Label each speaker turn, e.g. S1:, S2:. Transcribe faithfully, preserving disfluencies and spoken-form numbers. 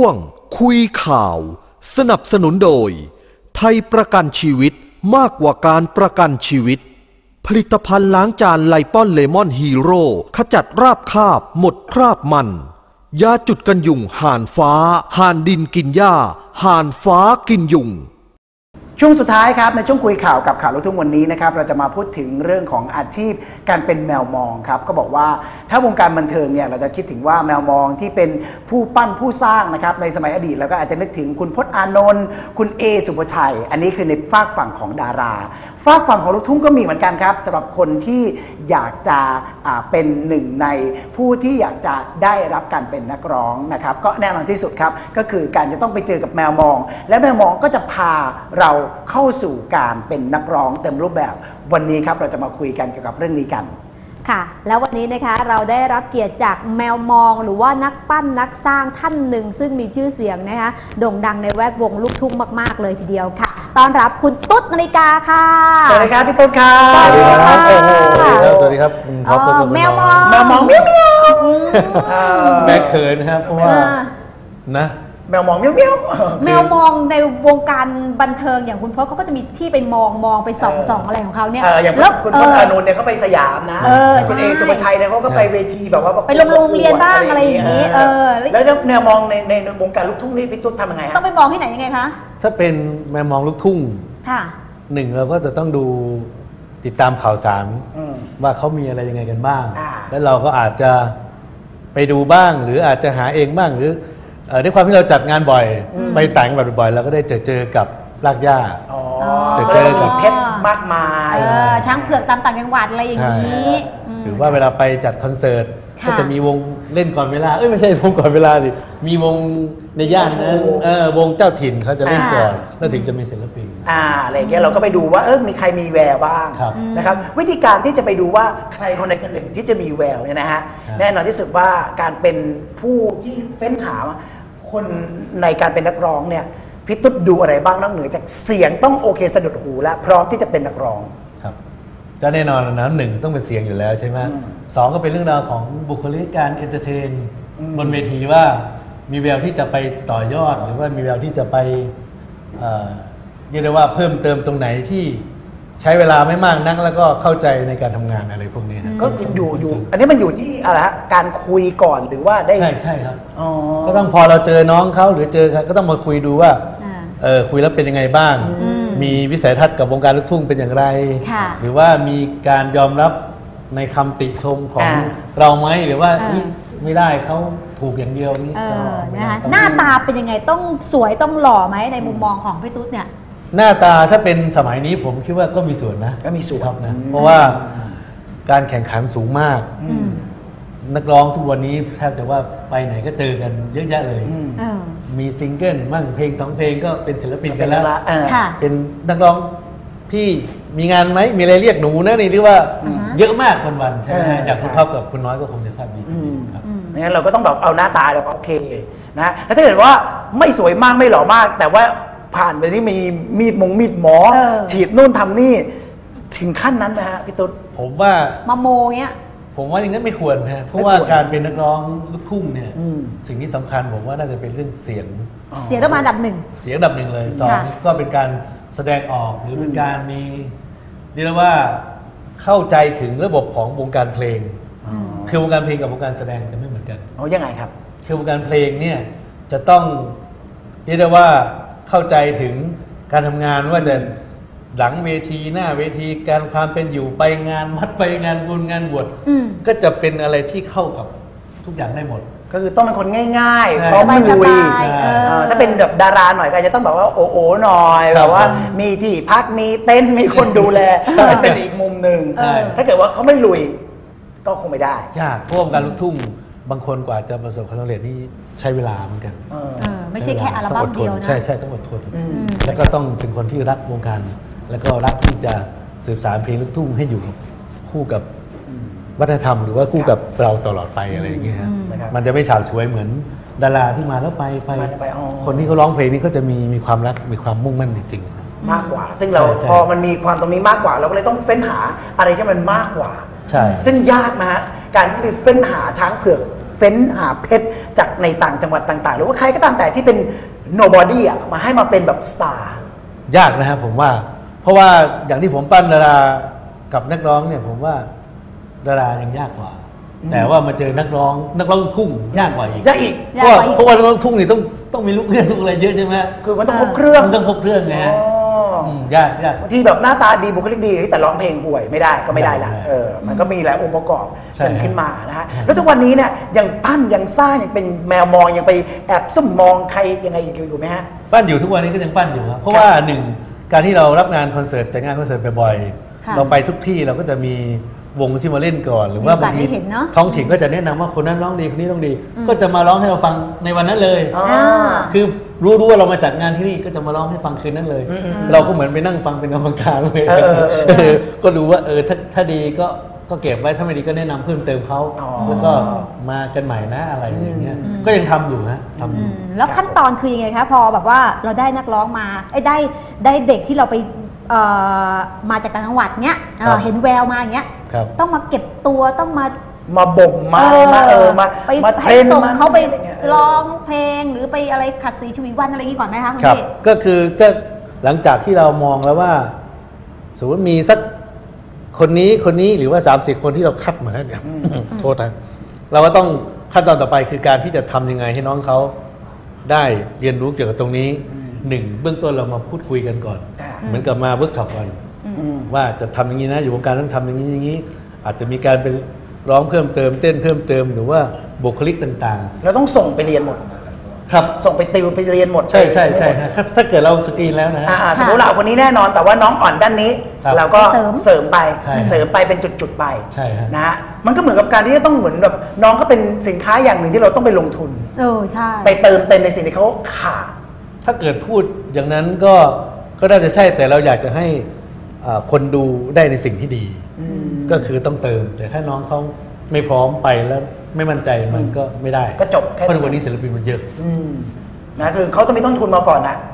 S1: วงคุยข่าวสนับสนุนโดยไทยประกันชีวิตมากกว่าการประกันชีวิตผลิตภัณฑ์ล้างจานไลปอนเลมอนฮีโร่ขจัดราบคาบหมดคราบมันยาจุดกันยุงห่านฟ้าห่านดินกินหญ้าห่านฟ้ากินยุง
S2: ช่วงสุดท้ายครับในช่วงคุยข่าวกับข่าวลูกทุ่งวันนี้นะครับเราจะมาพูดถึงเรื่องของอาชีพการเป็นแมวมองครับก็บอกว่าถ้าวงการบันเทิงเนี่ยเราจะคิดถึงว่าแมวมองที่เป็นผู้ปั้นผู้สร้างนะครับในสมัยอดีตเราก็อาจจะนึกถึงคุณพจน์อานนท์คุณเอสุภชัยอันนี้คือในฝากฝั่งของดาราฝากฝั่งของลูกทุ่งก็มีเหมือนกันครับสำหรับคนที่อยากจะเป็นหนึ่งในผู้ที่อยากจะได้รับการเป็นนักร้องนะครับก็แน่นอนที่สุดครับก็คือการจะต้องไปเจอกับแมวมองและแมวมองก็จะพาเราเข้าสู่การเป็นนักร้องเต็มรูปแบบวันนี้ครับเราจะมาคุยกันเกี่ยวกับเรื่องนี้กัน
S3: ค่ะแล้ววันนี้นะคะเราได้รับเกียรติจากแมวมองหรือว่านักปั้นนักสร้างท่านหนึ่งซึ่งมีชื่อเสียงนะคะโด่งดังในแวดวงลูกทุ่งมากๆเลยทีเดียวค่ะต้อนรับคุณตุ๊ดนาฬิกาค่ะ
S2: สวัสดีครับพี่ตุ๊ดครับ
S3: สวัสดีครับ
S4: สวัสดีครับสวัสดีครับ
S3: อ๋อแมวมอง
S2: แมวมองเมี้ยวเมี้ยว
S4: แม่เขินครับเพราะว่านะ
S2: แมวมองเมี้ยวเมี้ยว
S3: แมวมองในวงการบันเทิงอย่างคุณพจน์เขาก็จะมีที่ไปมองมองไปส่องส่องอะไรของเขาเนี่ย
S2: อย่างคุณพจน์อานนท์เนี่ยเขาไปสยามนะคุณเอสุภชัยเนี่ยเขาก็ไปเวทีแบบว่า
S3: ไปโรงเรียนบ้างอะไรอย่างนี้เออ
S2: แล้วแมวมองในในวงการลูกทุ่งนี่พี่ตุ๊ดทำยังไง
S3: ต้องไปมองที่ไหนยังไงคะ
S4: ถ้าเป็นแมวมองลูกทุ่ง
S3: ค่ะ
S4: หนึ่งเราก็จะต้องดูติดตามข่าวสารว่าเขามีอะไรยังไงกันบ้างแล้วเราก็อาจจะไปดูบ้างหรืออาจจะหาเองบ้างหรือด้วยความที่เราจัดงานบ่อยไปต่างจังหวัดบ่อยเราก็ได้เจอเจอกับรากหญ้า
S2: เจอกับเพชรมากมาย
S3: ช้างเผือกตามต่างจังหวัดอะไรอย่างนี้
S4: หรือว่าเวลาไปจัดคอนเสิร์ตก็จะมีวงเล่นก่อนเวลาเอ้ยไม่ใช่วงก่อนเวลาสิมีวงในย่านนั้นเออวงเจ้าถิ่นเขาจะเล่นก่อนแล้วถึงจะมีศิลปิน
S2: อ่าอะไรอย่างเงี้ยเราก็ไปดูว่าเออมีใครมีแววบ้างนะครับวิธีการที่จะไปดูว่าใครคนใดคนหนึ่งที่จะมีแววเนี่ยนะฮะแน่นอนที่สุดว่าการเป็นผู้ที่เฟ้นหาคนในการเป็นนักร้องเนี่ยพี่ตุ๊ดดูอะไรบ้างนอกเหนือจากเสียงต้องโอเคสะดุดหูและพร้อมที่จะเป็นนักร้อง
S4: ครับก็แน่นอนนะหนึ่งต้องเป็นเสียงอยู่แล้วใช่ไหมสองก็เป็นเรื่องราวของบุคลิกการเอนเตอร์เทนบนเวทีว่ามีแววที่จะไปต่อยอดหรือว่ามีแววที่จะไปเรียกได้ว่าเพิ่มเติมตรงไหนที่ใช้เวลาไม่มากนักแล้วก็เข้าใจในการทำงานอะไรพวกนี้
S2: ก็อยู่อยู่อันนี้มันอยู่ที่อะไรฮะการคุยก่อนหรือว่าได้
S4: ใช่ใช่ครับก็ต้องพอเราเจอน้องเขาหรือเจอก็ต้องมาคุยดูว่าเออคุยแล้วเป็นยังไงบ้างมีวิสัยทัศน์กับวงการลูกทุ่งเป็นอย่างไรหรือว่ามีการยอมรับในคำติชมของเราไหมหรือว่าไม่ได้เขาถูกอย่างเดียวนี่
S3: นะคะหน้าตาเป็นยังไงต้องสวยต้องหล่อไหมในมุมมองของพี่ตุ๊ดเนี่ย
S4: หน้าตาถ้าเป็นสมัยนี้ผมคิดว่าก็มีส่วนนะ
S2: ก็มีส่วน
S4: นะเพราะว่าการแข่งขันสูงมากนักร้องทุกวันนี้แทบจะว่าไปไหนก็เจอกันเยอะแยะเลยมีซิงเกิลมั่งเพลงสองเพลงก็เป็นศิลปินกันแล้วเป็นนักร้องที่มีงานไหมมีอะไรเรียกหนูนะนี่เรียกว่าเยอะมากวันๆใช่ไหมจากคุณท็อปกับคุณน้อยก็คงจะทราบดีครับ
S2: งั้นเราก็ต้องแบบเอาหน้าตาเราโอเคนะแล้วถ้าเกิดว่าไม่สวยมากไม่หล่อมากแต่ว่าผ่านไปนี่มีมีดมงมีดหมอฉีดนู่นทำนี่ถึงขั้นนั้นนะฮะพี่ตุ๊ด
S4: ผมว่า
S3: มาโมเงี้ย
S4: ผมว่าอย่างนั้นไม่ควรฮะเพราะว่าการเป็นนักร้องลูกทุ่งเนี่ยสิ่งที่สำคัญผมว่าน่าจะเป็นเรื่องเสียง
S3: เสียงต้องมาอันดับหนึ่ง
S4: เสียงอันดับหนึ่งเลยสองก็เป็นการแสดงออกหรือเป็นการมีเรียกว่าเข้าใจถึงระบบของวงการเพลงคือวงการเพลงกับวงการแสดงจะไม่เหมือนกัน
S2: อ๋อยังไงครับ
S4: คือวงการเพลงเนี่ยจะต้องเรียกได้ว่าเข้าใจถึงการทำงานว่าจะหลังเวทีหน้าเวทีการความเป็นอยู่ไปงานวัดไปงานบุญงานบวชก็จะเป็นอะไรที่เข้ากับทุกอย่างได้หมด
S2: ก็คือต้องเป็นคนง่ายๆพร้อมลุยถ้าเป็นแบบดาราหน่อยก็จะต้องแบบว่าโอ้โอหน่อยแบบว่ามีที่พักมีเต้นมีคนดูแลเป็นอีกมุมหนึ่งถ้าเกิดว่าเขาไม่ลุยก็คงไม่ได้
S4: ยากเพราะวงการลูกทุ่งบางคนกว่าจะประสบความสำเร็จนี่ใช้เวลาเหมือนกัน
S3: ไม่ใช่แค่อัลบั้มเดียวนะ
S4: ใช่ใช่ต้องอดทนแล้วก็ต้องเป็นคนที่รักวงการแล้วก็รักที่จะสืบสานเพลงลูกทุ่งให้อยู่คู่กับวัฒนธรรมหรือว่าคู่กับเราตลอดไปอะไรอย่างเงี้ยมันจะไม่ฉาบฉวยเหมือนดาราที่มาแล้วไปไปคนที่เขาร้องเพลงนี้ก็จะมีมีความรักมีความมุ่งมั่นจริง
S2: ๆมากกว่าซึ่งเราพอมันมีความตรงนี้มากกว่าเราก็เลยต้องเฟ้นหาอะไรที่มันมากกว่าซึ่งยากนะฮะการที่ไปเฟ้นหาช้างเผือกเฟ้นหาเพชรจากในต่างจังหวัดต่างๆ หรือว่าใครก็ตามแต่ที่เป็น nobody อ่ะมาให้มาเป็นแบบสตาร์
S4: ยากนะครับผมว่าเพราะว่าอย่างที่ผมปั้นดารากับนักร้องเนี่ยผมว่าดารายังยากกว่าแต่ว่ามาเจอนักร้องนักร้องทุ่งยากกว่าอีก
S2: ยากอีก
S4: เพราะว่าเพราะว่านักร้องทุ่งนี่ต้องต้องมีลูกเรื่องลูกอะไรเยอะใช่ไหม
S2: คือมันต้องครบเครื่อง
S4: มันต้องครบเครื่องไงฮะยากยาก
S2: บางทีแบบหน้าตาดีบุคลิกดีแต่ร้องเพลงห่วยไม่ได้ก็ไม่ได้ละเออมันก็มีหลายองค์ประกอบเป็นขึ้นมานะฮะแล้วทุกวันนี้เนี่ยยังปั้นยังสร้างยังเป็นแมวมองยังไปแอบซุ่มมองใครยังไงอยู่ไหมฮะ
S4: ปั้นอยู่ทุกวันนี้ก็ยังปั้นอยู่ครับเพราะว่าหนึ่งการที่เรารับงานคอนเสิร์ตแต่งานคอนเสิร์ตบ่อยๆเราไปทุกที่เราก็จะมีวงที่มาเล่นก่อนหรือว่าบางทีท้องถิ่นก็จะแนะนำว่าคนนั้นร้องดีคนนี้ร้องดีก็จะมาร้องให้เราฟังในวันนั้นเลยคือรู้รู้ว่าเรามาจัดงานที่นี่ก็จะมาร้องให้ฟังคืนนั้นเลยเราก็เหมือนไปนั่งฟังเป็นกรรมการเลยก็ดูว่าเออถ้าถ้าดีก็ก็เก็บไว้ถ้าไม่ดีก็แนะนำเพิ่มเติมเขาแล้วก็มากันใหม่นะอะไรอย่างเงี้ยก็ยังทำอยู่นะทำอยู่
S3: แล้วขั้นตอนคือยังไงคะพอแบบว่าเราได้นักร้องมาไอ้ได้ได้เด็กที่เราไปมาจากต่างจังหวัดเนี้ยเห็นแววมาอย่างเงี้ยต้องมาเก็บตัวต้องมา
S2: มาบ่มมามาเออมา
S3: ไปให้ส่งเขาไปร้องเพลงหรือไปอะไรขัดสีชวีวันอะไรอย่างงี้ก่อนไหมคะคุณพี่
S4: ก็คือก็หลังจากที่เรามองแล้วว่าสมมติมีสักคนนี้คนนี้หรือว่าสามสิบคนที่เราคัดมาแล้วเนี่ยโทษนะเราก็ต้องขั้นตอนต่อไปคือการที่จะทำยังไงให้น้องเขาได้เรียนรู้เกี่ยวกับตรงนี้หนึ่งเบื้องต้นเรามาพูดคุยกันก่อนเหมือนกับมาเวิร์กช็อปกันว่าจะทำอย่างนี้นะอยู่วงการต้องทำอย่างนี้อย่างนี้อาจจะมีการเป็นร้องเพิ่มเติมเต้นเพิ่มเติมหรือว่าบุคลิกต่าง
S2: ๆเราต้องส่งไปเรียนหมด
S4: ครับ
S2: ส่งไปติวไปเรียนหมด
S4: ใช่ใช่ใช่ถ้าเกิดเราสกรีนแล้วนะ
S2: สมมติเราคนนี้แน่นอนแต่ว่าน้องอ่อนด้านนี้เราก็เสริมไปเสริมไปเป็นจุดๆไปนะฮะมันก็เหมือนกับการที่จะต้องเหมือนแบบน้องก็เป็นสินค้าอย่างหนึ่งที่เราต้องไปลงทุน
S3: เออใช่
S2: ไปเติมเต็มในสิ่งที่เขาขาด
S4: ถ้าเกิดพูดอย่างนั้นก็ก็น่าจะใช่แต่เราอยากจะให้คนดูได้ในสิ่งที่ดีก็คือต้องเติมแต่ถ้าน้องเขาไม่พร้อมไปแล้วไม่มั่นใจมันก็ไม่ได้
S2: ก็จบ
S4: เพราะวันนี้ศิลปินมันเยอะ
S2: นะคือเขาต้องมีต้นทุนมาก่อนนะ